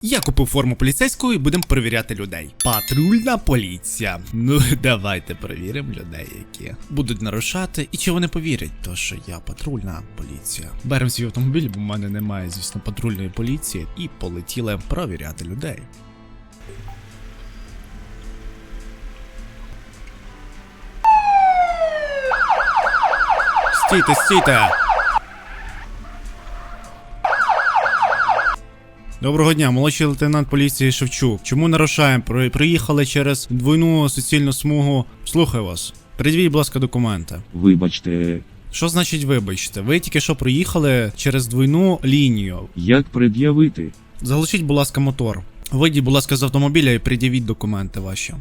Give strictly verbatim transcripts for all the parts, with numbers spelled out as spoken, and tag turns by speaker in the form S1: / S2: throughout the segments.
S1: Я купив форму поліцейську і будемо перевіряти людей. Патрульна поліція. Ну, давайте перевіримо людей, які будуть нарушати. І чи вони повірять, то що я патрульна поліція. Беремо свій автомобіль, бо в мене немає, звісно, патрульної поліції. І полетіли перевіряти людей. Стійте, стійте! Доброго дня, молодший лейтенант поліції Шевчук. Чому нарушаємо? При- Приїхали через двойну суцільну смугу. Слухаю вас. Придивіть, будь ласка, документи.
S2: Вибачте,
S1: Що значить вибачте? Ви тільки що приїхали через двойну лінію.
S2: як пред'явити?
S1: Заглушіть, будь ласка, мотор. Вийдіть, будь ласка, з автомобіля і пред'явіть документи ваші.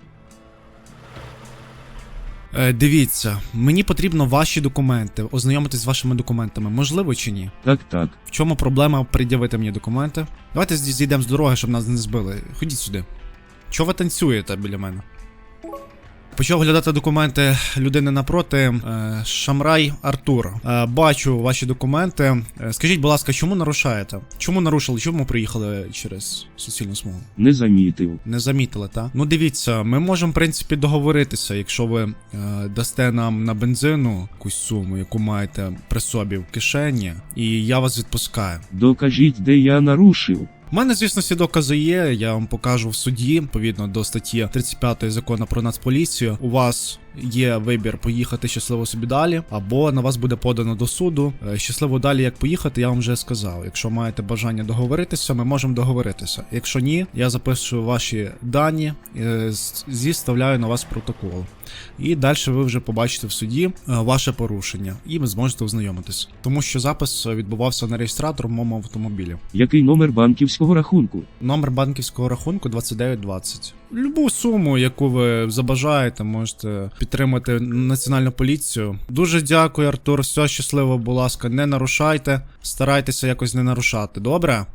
S1: Е, дивіться, мені потрібно ваші документи, ознайомитись з вашими документами. Можливо чи ні?
S2: Так, так.
S1: В чому проблема пред'явити мені документи? Давайте зі- зійдемо з дороги, щоб нас не збили. Ходіть сюди. Чого ви танцюєте біля мене? Почав оглядати документи людини напроти. Е, Шамрай Артур. Е, бачу ваші документи. Е, скажіть, будь ласка, чому нарушаєте? Чому нарушили? Чому приїхали через суцільну смугу?
S2: Не замітив.
S1: Не замітили, так? Ну дивіться, ми можемо, в принципі, договоритися, якщо ви е, дасте нам на бензину якусь суму, яку маєте при собі в кишені, і я вас відпускаю.
S2: Докажіть, де я нарушив.
S1: У мене, звісно, всі докази є, я вам покажу в суді, відповідно до статті тридцять п'ятої закону про Нацполіцію. У вас є вибір поїхати щасливо собі далі, або на вас буде подано до суду. Е, Щасливо далі, як поїхати, я вам вже сказав. Якщо маєте бажання договоритися, ми можемо договоритися. Якщо ні, я записую ваші дані, е, з- зіставляю на вас протокол. І далі ви вже побачите в суді е, ваше порушення, і ви зможете ознайомитись. Тому що запис відбувався на реєстратор в моєму автомобілі.
S2: Який номер банківського рахунку?
S1: Номер банківського рахунку двадцять дев'ять двадцять. Любу суму, яку ви забажаєте, можете підтримати Національну поліцію. Дуже дякую, Артур. Все щасливо, будь ласка, не нарушайте. Старайтеся якось не нарушати. Добре?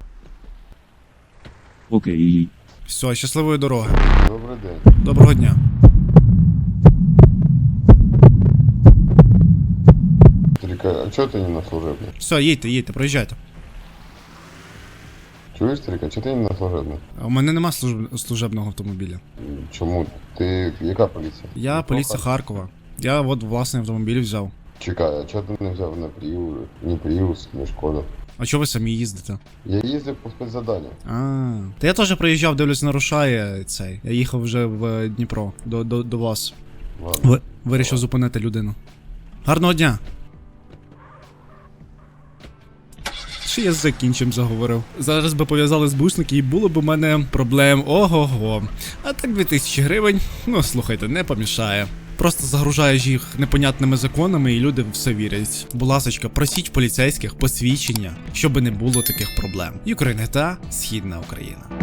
S2: Окей.
S1: Все, щасливої дороги.
S3: Добрий день.
S1: Доброго дня.
S3: Старика, а чого ти не на служебний?
S1: Все, їдьте, їдьте, проїжджайте.
S3: Чуєш, старика, чого ти не на служебний?
S1: А У мене нема служб- служебного автомобіля.
S3: Чому? Ти яка поліція?
S1: Я
S3: Ну,
S1: поліція Харкова. Я от власний автомобіль взяв.
S3: Чекай, а чого ти не взяв на Prius, ні Prius, ні Шкода?
S1: А чого ви самі їздите?
S3: Я їздив по спецзаданню.
S1: А, та я теж приїжджав, дивлюсь, нарушає цей. Я їхав вже в Дніпро до, до, до вас.
S3: Ладно.
S1: Ви, вирішив зупинити людину. Гарного дня! Ще язик іншим заговорив. Зараз би пов'язали з бушники і було б у мене проблем ого-го. А так дві тисячі гривень, ну слухайте, не помішає. Просто загружаєш їх непонятними законами і люди все вірять. Будь ласочка, просіть в поліцейських посвідчення, щоб не було таких проблем. Юкрейн ГТА, Східна Україна.